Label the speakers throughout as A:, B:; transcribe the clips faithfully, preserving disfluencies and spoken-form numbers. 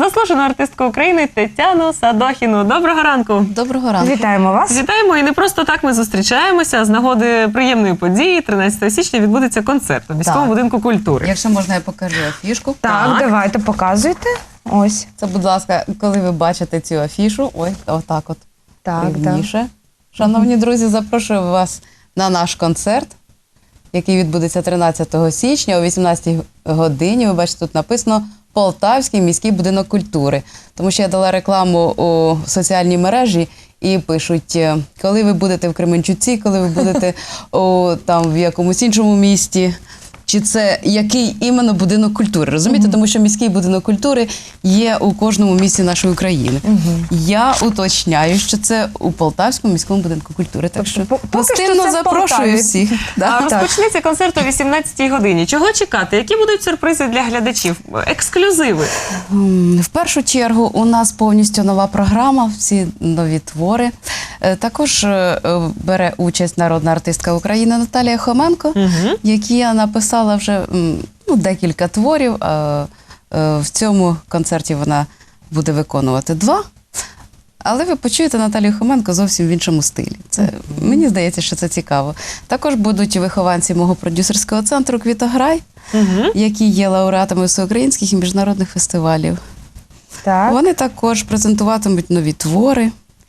A: заслужену артистку України Тетяну Садохіну. Доброго ранку!
B: Доброго ранку!
C: Вітаємо вас!
A: Вітаємо! І не просто так ми зустрічаємося. З нагоди приємної події тринадцятого січня відбудеться концерт у міському
B: Так.
A: будинку культури.
B: Якщо можна, я покажу афішку.
C: Так,
A: Так.
C: давайте, показуйте. Ось.
B: Це, будь ласка, коли ви бачите цю афішу, ой, отак от,
C: Так, так.
B: рівніше. Шановні друзі, запрошую вас на наш концерт, який відбудеться тринадцятого січня о вісімнадцятій годині. Ви бачите, тут написано Полтавський міський будинок культури. Тому що я дала рекламу у соціальній мережі і пишуть, коли ви будете в Кременчуці, коли ви будете у, там, в якомусь іншому місті. Чи це який іменно будинок культури, розумієте? Тому що міський будинок культури є у кожному місті нашої України. Я уточняю, що це у Полтавському міському будинку культури. Так що
C: Тобто, поки що
B: гостинно
C: це в
B: запрошую
C: Полтаві.
B: всіх.
A: А
B: Да?
A: розпочнеться концерт о вісімнадцятій годині. Чого чекати? Які будуть сюрпризи для глядачів? Ексклюзиви?
B: М, В першу чергу у нас повністю нова програма, всі нові твори. Е, Також е, бере участь народна артистка України Наталія Хоменко, які написала вже м, ну, декілька творів. а, е, В цьому концерті вона буде виконувати два. Але ви почуєте Наталію Хоменко зовсім в іншому стилі. Це, мені здається, що це цікаво. Також будуть вихованці мого продюсерського центру «Квітограй», які є лауреатами всеукраїнських і міжнародних фестивалів.
C: Так.
B: Вони також презентуватимуть нові твори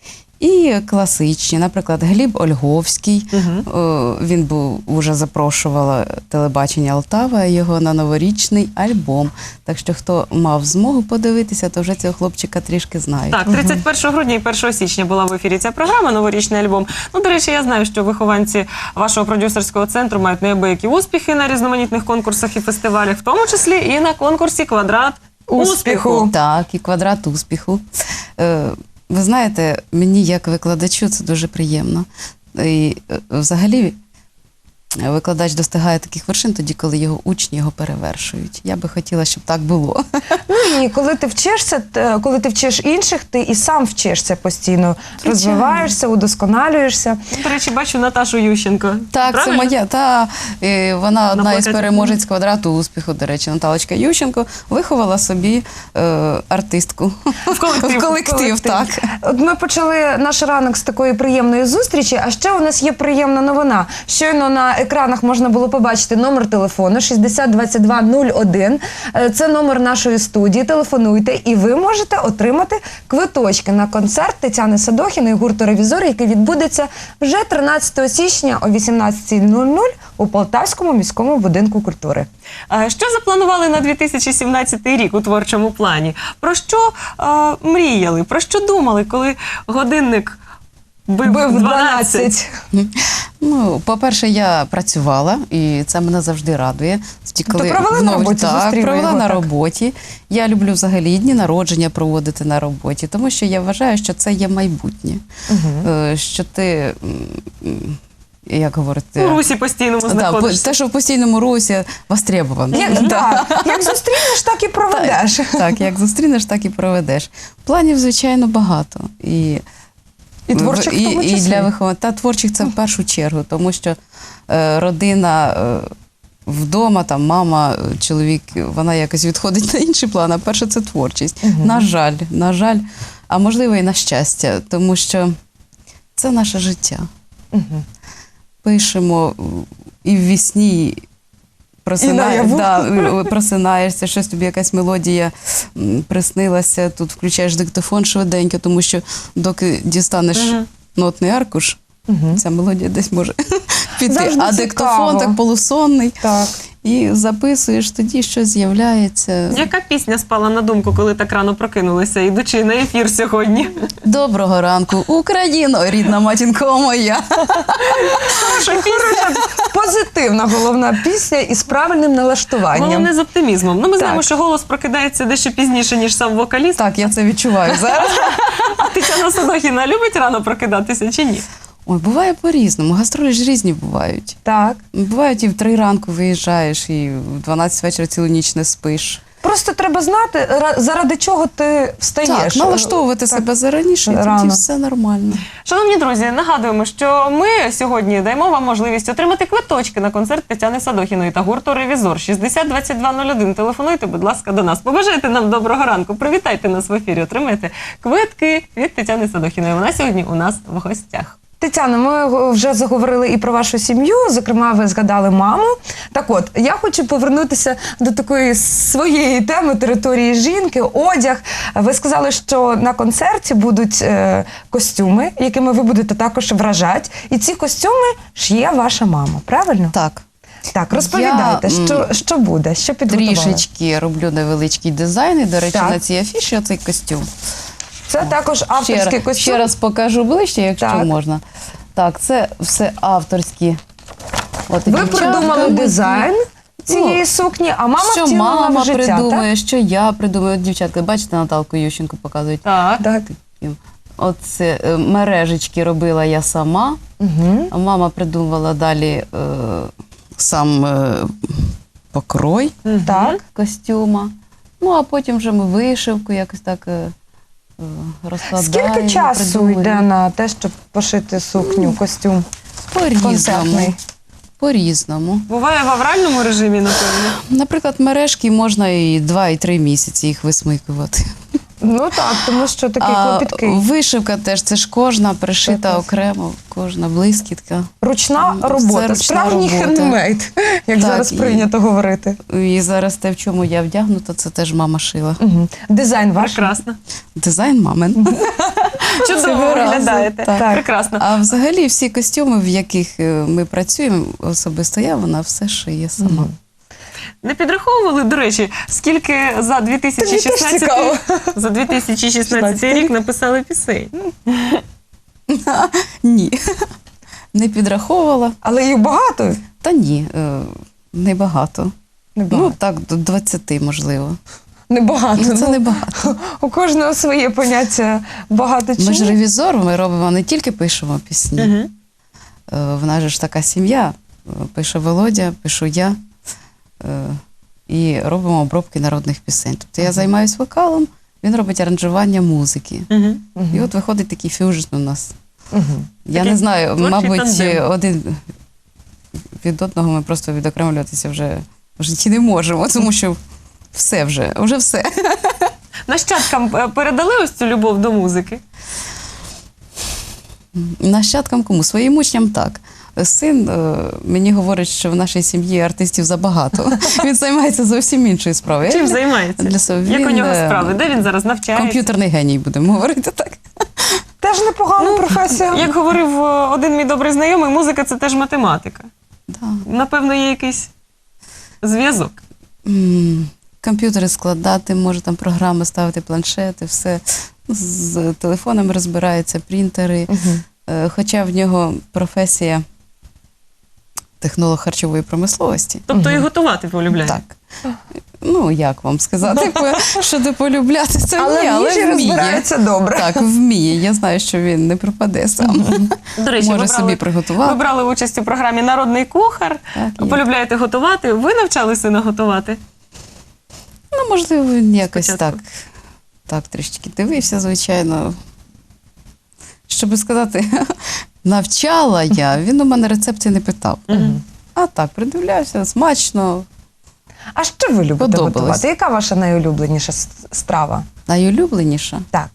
B: і класичні. Наприклад, Гліб Ольговський. О, він був, уже запрошувала телебачення Алтава його на новорічний альбом. Так що, хто мав змогу подивитися, то вже цього хлопчика трішки знають.
A: Так, тридцять першого грудня і першого січня була в ефірі ця програма «Новорічний альбом». Ну, до речі, я знаю, що вихованці вашого продюсерського центру мають неабиякі успіхи на різноманітних конкурсах і фестивалях, в тому числі і на конкурсі «Квадрат успіху».
B: Так, і «Квадрат успіху». Е, Ви знаєте, мені як викладачу це дуже приємно. І е, взагалі викладач достигає таких вершин тоді, коли його учні його перевершують. Я би хотіла, щоб так було.
C: Ну, і коли ти вчишся, т- коли ти вчиш інших, ти і сам вчишся постійно. Розвиваєшся, удосконалюєшся.
A: До речі, бачу Наташу Ющенко.
B: Так,
A: Правильно?
B: це моя. Та, е, вона одна із
A: плакаті.
B: переможець «Квадрату успіху», до речі, Наталочка Ющенко, виховала собі е, артистку.
A: В колектив.
B: В колектив, так.
C: От ми почали наш ранок з такої приємної зустрічі, а ще у нас є приємна новина. Щойно на екранах можна було побачити номер телефону шістдесят двадцять два нуль один. Е, Це номер нашої студії. Телефонуйте, і ви можете отримати квиточки на концерт Тетяни Садохіної гурту «Ревізор», який відбудеться вже тринадцятого січня о вісімнадцятій нуль нуль у Полтавському міському будинку культури.
A: А Що запланували на дві тисячі сімнадцятий рік у творчому плані? Про що а, мріяли? Про що думали, коли годинник бив
C: Бив
A: дванадцять?
B: Ну, по-перше, я працювала, і це мене завжди радує. Тоді,
C: Тобто провели на
B: вновь-
C: роботі,
B: так,
C: зустріли
B: провела
C: його,
B: на
C: так?
B: роботі. Я люблю взагалі і дні народження проводити на роботі, тому що я вважаю, що це є майбутнє. Е, Що ти, м, як говорити...
A: У русі постійному
B: Так,
A: знаходишся.
B: те, що в постійному русі востребовано.
C: Як, да. Як зустрінеш, так і проведеш.
B: Так, як зустрінеш, так і проведеш. Планів, звичайно, багато. І,
C: І творчих в
B: і,
C: тому
B: і
C: числі.
B: для виховання. Та творчих це в першу чергу, тому що е, родина е, вдома, там мама, е, чоловік, вона якось відходить на інший план, а перше це творчість. На жаль, на жаль, а можливо і на щастя, тому що це наше життя. Пишемо і в вісні, просинає,
C: наяву.
B: да, просинаєшся, щось тобі якась мелодія м, приснилася, тут включаєш диктофон швиденько, тому що доки дістанеш нотний аркуш, ця мелодія десь може піти.
C: Завжди
B: А
C: цікаво.
B: диктофон так полусонний,
C: Так.
B: і записуєш, тоді щось з'являється.
A: Яка пісня спала на думку, коли так рано прокинулися, ідучи на ефір сьогодні?
B: Доброго ранку, Україно, рідна матінко моя.
A: Хороша пісня.
C: Позитивна головна пісня із правильним налаштуванням.
A: Головне з оптимізмом. Ну, ми знаємо,
C: Так.
A: що голос прокидається дещо пізніше, ніж сам вокаліст.
B: Так, я це відчуваю зараз.
A: А Тетяна Садохіна любить рано прокидатися чи ні?
B: Ой, буває по-різному, гастролі ж різні бувають.
C: Так.
B: Бувають і в три ранку виїжджаєш, і в дванадцять вечора цілу ніч не спиш.
C: Просто треба знати, ра- заради чого ти встаєш.
B: Так, налаштовувати
C: Так.
B: себе зараніше, і
C: Рано.
B: тоді все нормально.
A: Шановні друзі, нагадуємо, що ми сьогодні даємо вам можливість отримати квиточки на концерт Тетяни Садохіної та гурту «Ревізор». шістдесят двадцять два нуль один. Телефонуйте, будь ласка, до нас. Побажайте нам доброго ранку. Привітайте нас в ефірі. Отримайте квитки від Тетяни Садохіної. Вона сьогодні у нас в гостях.
C: Тетяна, ми вже заговорили і про вашу сім'ю, зокрема, ви згадали маму. Так от, я хочу повернутися до такої своєї теми території жінки, одяг. Ви сказали, що на концерті будуть е, костюми, якими ви будете також вражати. І ці костюми шиє ваша мама, правильно?
B: Так.
C: Так, розповідайте,
B: Я, м,
C: що, що буде, що підготували?
B: Трішечки роблю невеличкий дизайн, і, до речі,
C: Так.
B: на цій афіші оцей костюм.
C: Це також
B: Ще,
C: авторський
B: раз-
C: костюм.
B: ще раз покажу ближче, якщо
C: Так.
B: можна. Так, це все авторські. От,
C: Ви
B: дівчатка,
C: придумали
B: ми-
C: дизайн цієї
B: Ну,
C: сукні, а мама
B: що
C: втілила
B: мама
C: в життя,
B: придумує, що я придумаю. От дівчатка, бачите, Наталку Ющенко показують.
A: Так.
C: так? Так.
B: Оце е, мережечки робила я сама.
C: Угу.
B: А мама придумувала далі е, сам е, покрой
C: Так.
B: костюма. Ну, а потім вже ми вишивку якось так е, е, розкладаємо.
C: Скільки часу
B: придумуємо.
C: йде на те, щоб пошити сукню, костюм
B: По-різному.
C: концертний?
B: По-різному.
A: Буває в авральному режимі, напевно.
B: Наприклад, мережки можна і два, і три місяці їх висмикувати.
C: Ну так, тому що такий
B: А
C: клопіткий.
B: вишивка теж, це ж кожна пришита
C: Прекрасно.
B: окремо, кожна блискітка.
C: Ручна
B: Це
C: робота,
B: ручна
C: справжній
B: робота.
C: хендмейд, як
B: Так,
C: зараз
B: і-
C: прийнято говорити.
B: І зараз те, в чому я вдягнута, це теж мама шила.
C: Угу. Дизайн ваш.
A: Прекрасно.
B: Дизайн мамин.
A: Чудово
B: Цього разу,
A: виглядаєте.
B: так.
A: Прекрасно.
B: А взагалі всі костюми, в яких е, ми працюємо, особисто я, вона все шиє сама.
C: Мгм.
A: Не підраховували, до речі, скільки за
C: Тобі теж
A: 2016,
C: цікаво.
A: за дві тисячі шістнадцятий рік написали пісень?
B: Ні. Не підраховувала.
C: Але їх багато.
B: Та ні, е, небагато.
C: Небагато.
B: Ну так, до двадцяти, можливо.
C: Небагато.
B: Ну, це
C: Ну,
B: небагато.
C: у кожного своє поняття багато чи
B: Ми ж
C: ні.
B: ревізор, ми робимо не тільки пишемо пісні.
A: Угу.
B: Е, В нас же ж така сім'я. Е, Пише Володя, пишу я. Е, І робимо обробки народних пісень. Тобто я займаюся вокалом, він робить аранжування музики.
A: Угу.
B: І от виходить такий фюжн у нас.
C: Мгм.
B: Я
A: Такий
B: не знаю,
A: творчий
B: мабуть,
A: тандем.
B: один від одного ми просто відокремлюватися вже в житті не можемо, тому що все вже, вже все.
A: Нащадкам е, передали ось цю любов до музики?
B: Нащадкам кому? Своїм учням так. Син е, мені говорить, що в нашій сім'ї артистів забагато. Він займається зовсім іншою справою.
A: Чим
B: Я
A: займається?
B: для себе-
A: Як у
B: він,
A: нього
B: е,
A: справи? Де він зараз навчається?
B: комп'ютерний геній, будемо говорити так.
C: Теж непогана
B: Ну,
C: професія.
A: Як говорив е, один мій добрий знайомий, музика – це теж математика.
B: Да.
A: Напевно, є якийсь зв'язок.
B: М, Комп'ютери складати, може там програми ставити, планшети, все. З телефонами розбирається, принтери.
C: Мгм.
B: Е, Хоча в нього професія технолог харчової промисловості.
A: Тобто і готувати полюбляє.
B: Так. Ну, як вам сказати, по- щодо полюбляти, це
C: Але
B: ні,
C: в
B: але
C: їжі
B: вміє.
C: розбирається добре.
B: Так, вміє. Я знаю, що він не пропаде сам.
A: До речі,
B: Може
A: ви
B: собі
A: брали,
B: приготувати.
A: ви брали участь у програмі «Народний кухар»,
B: Так, є.
A: полюбляєте готувати. Ви навчали сина готувати?
B: Ну, можливо, він якось
A: Спочатку.
B: так, так трішки дивився, звичайно. Щоб сказати, навчала я, він у мене рецепти не питав.
A: Мгм.
B: А так, придивлявся, смачно.
C: А що ви любите
B: Подобалось.
C: готувати? Яка ваша найулюбленіша с- страва?
B: Найулюбленіша.
C: Так.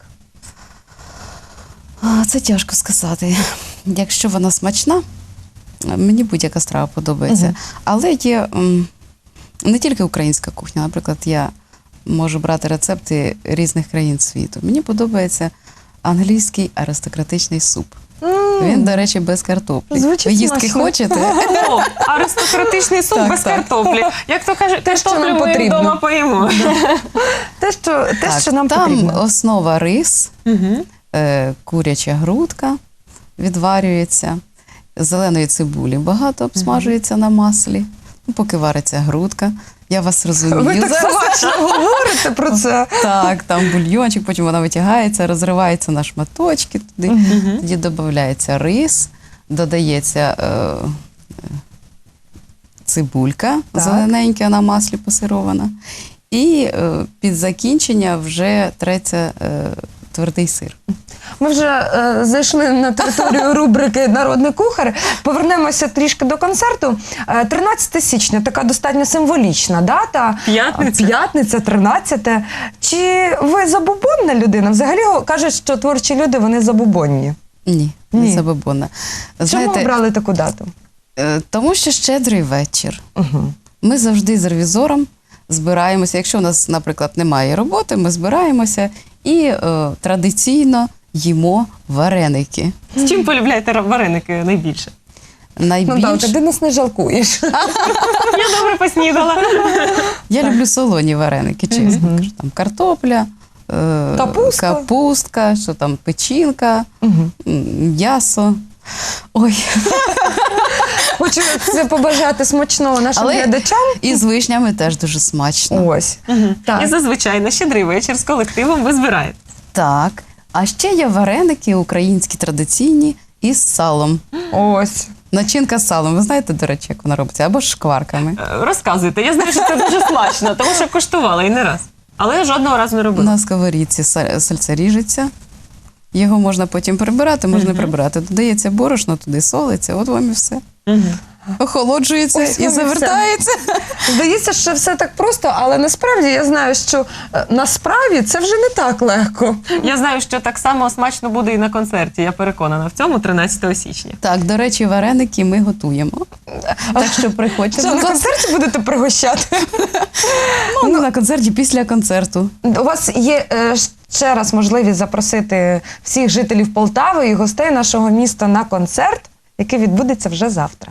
B: А, це тяжко сказати. Якщо вона смачна, мені будь-яка страва подобається.
C: Мгм.
B: Але є м, не тільки українська кухня. Наприклад, я можу брати рецепти різних країн світу. Мені подобається англійський аристократичний суп.
C: М,
B: Він, до речі, без картоплі.
C: Звучить
B: Ви їстки
C: смачно.
B: хочете?
A: О, аристократичний суп
B: Так,
A: без
B: так.
A: картоплі. Як то кажуть,
C: Те, що
A: картоплю
C: нам
A: ми
C: потрібно.
A: вдома поїмо.
C: Те, що, те,
B: Так,
C: що нам
B: там
C: потрібно.
B: основа рис,
A: Мгм.
B: е, куряча грудка відварюється, зеленої цибулі багато обсмажується на маслі, ну, поки вариться грудка. Я вас розумію.
C: Ви так
B: Зараз-
C: смачно говорите про це.
B: Так, там бульйончик, потім вона витягається, розривається на шматочки туди,
A: Мгм.
B: тоді додається рис, додається е, е, цибулька
C: Так.
B: зелененька на маслі пасирована. І е, під закінчення вже треться е, твердий сир.
C: Ми вже е, зайшли на територію рубрики «Народний кухар». Повернемося трішки до концерту. Е, тринадцяте січня, така достатньо символічна дата.
A: П'ятниця.
C: П'ятниця, тринадцяте. Чи ви забубонна людина? Взагалі кажуть, що творчі люди, вони забубонні.
B: Ні,
C: Ні.
B: не забобонна.
C: Чому обрали таку дату?
B: е, тому що щедрий вечір.
C: Угу.
B: Ми завжди з ревізором збираємося. Якщо у нас, наприклад, немає роботи, ми збираємося і е, традиційно їмо вареники.
A: З чим полюбляєте вареники найбільше?
B: Найбільш...
C: Ну так, ти нас не жалкуєш.
A: Я добре поснідала.
B: Я люблю солоні вареники, чесно. Кажу, там картопля, е,
C: Капустка.
B: капустка, що там печінка,
C: Угу.
B: м, м'ясо. Ой,
C: Хочу це побажати смачного нашим
B: Але
C: глядачам.
B: і з вишнями теж дуже смачно.
C: Ось.
A: І
C: Так.
A: зазвичай на щедрий вечір з колективом ви збираєте.
B: Так. А ще є вареники українські традиційні із салом.
C: Ось.
B: Начинка з салом. Ви знаєте, до речі, як вона робиться? Або з шкварками.
A: Е, Розказуйте, я знаю, що це дуже смачно, тому що коштувала і не раз. Але я жодного разу не робила.
B: На сковорідці са- сальце ріжеться. Його можна потім прибирати, можна не прибирати. Додається борошно, туди солиться, от вам і все.
A: Мгм.
B: Охолоджується
C: Ось
B: і
C: вам і все.
B: завертається.
C: Здається, що все так просто, але насправді я знаю, що е, на справі це вже не так легко.
A: Я знаю, що так само смачно буде і на концерті. Я переконана в цьому тринадцятого січня.
B: Так, до речі, вареники ми готуємо. Так що приходьте.
C: Що,
B: будь
C: на
B: ласка.
C: концерті будете пригощати?
B: Ну, на концерті після концерту.
C: У вас є е, ще раз можливість запросити всіх жителів Полтави і гостей нашого міста на концерт, який відбудеться вже завтра.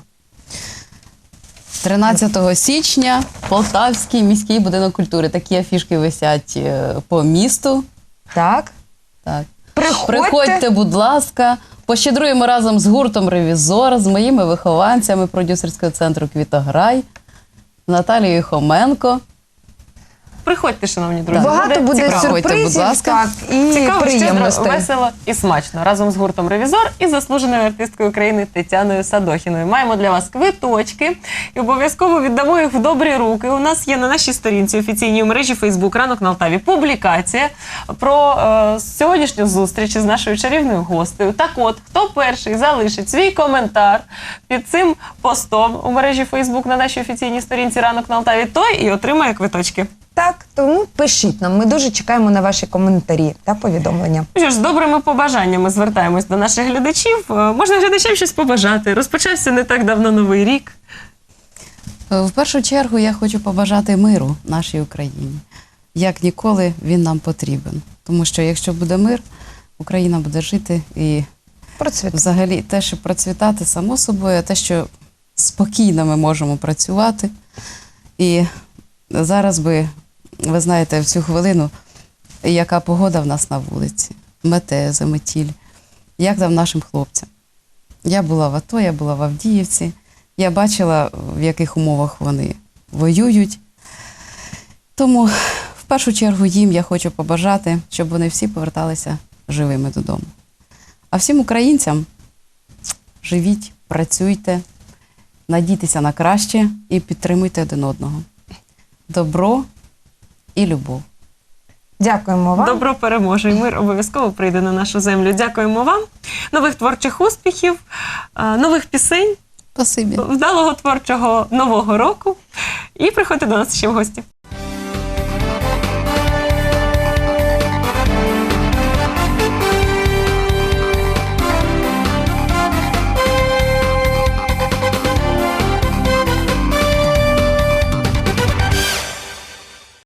B: тринадцятого січня Полтавський міський будинок культури. Такі афішки висять е, по місту.
C: Так?
B: Так.
C: Приходьте.
B: Приходьте, будь ласка, пощедруємо разом з гуртом «Ревізор», з моїми вихованцями продюсерського центру «Квітограй», Наталією Хоменко.
A: Приходьте, шановні друзі.
C: Багато буде
B: цікаво. Приходьте, будь
C: сюрпризів,
B: ласка.
C: так, і
A: Цікаво, щедро,
C: приємностей.
A: весело і смачно. Разом з гуртом «Ревізор» і заслуженою артисткою України Тетяною Садохіною. Маємо для вас квиточки і обов'язково віддамо їх в добрі руки. У нас є на нашій сторінці офіційній у мережі Фейсбук «Ранок на Алтаві» публікація про е, сьогоднішню зустріч із нашою чарівною гостею. Так от, хто перший залишить свій коментар під цим постом у мережі Фейсбук на нашій офіційній сторінці «Ранок на Алтаві», той і отримає квиточки.
C: Так, тому пишіть нам. Ми дуже чекаємо на ваші коментарі та повідомлення.
A: Ну що ж, з добрими побажаннями звертаємось до наших глядачів. Е, Можна глядачам щось побажати. Розпочався не так давно Новий рік.
B: Е, В першу чергу я хочу побажати миру нашій Україні. Як ніколи він нам потрібен. Тому що якщо буде мир, Україна буде жити і
C: Процвіт.
B: взагалі те, що процвітати само собою, а те, що спокійно ми можемо працювати. І зараз би, ви знаєте, в цю хвилину, яка погода в нас на вулиці, мете, заметіль, як там нашим хлопцям. Я була в АТО, я була в Авдіївці, я бачила, в яких умовах вони воюють. Тому в першу чергу їм я хочу побажати, щоб вони всі поверталися живими додому. А всім українцям живіть, працюйте, надійтеся на краще і підтримуйте один одного. Добро і любов.
C: Дякуємо вам.
A: Добро переможе, і мир обов'язково прийде на нашу землю. Дякуємо вам. Нових творчих успіхів, е, нових пісень,
B: Спасибі.
A: вдалого творчого нового року. І приходьте до нас ще в гості.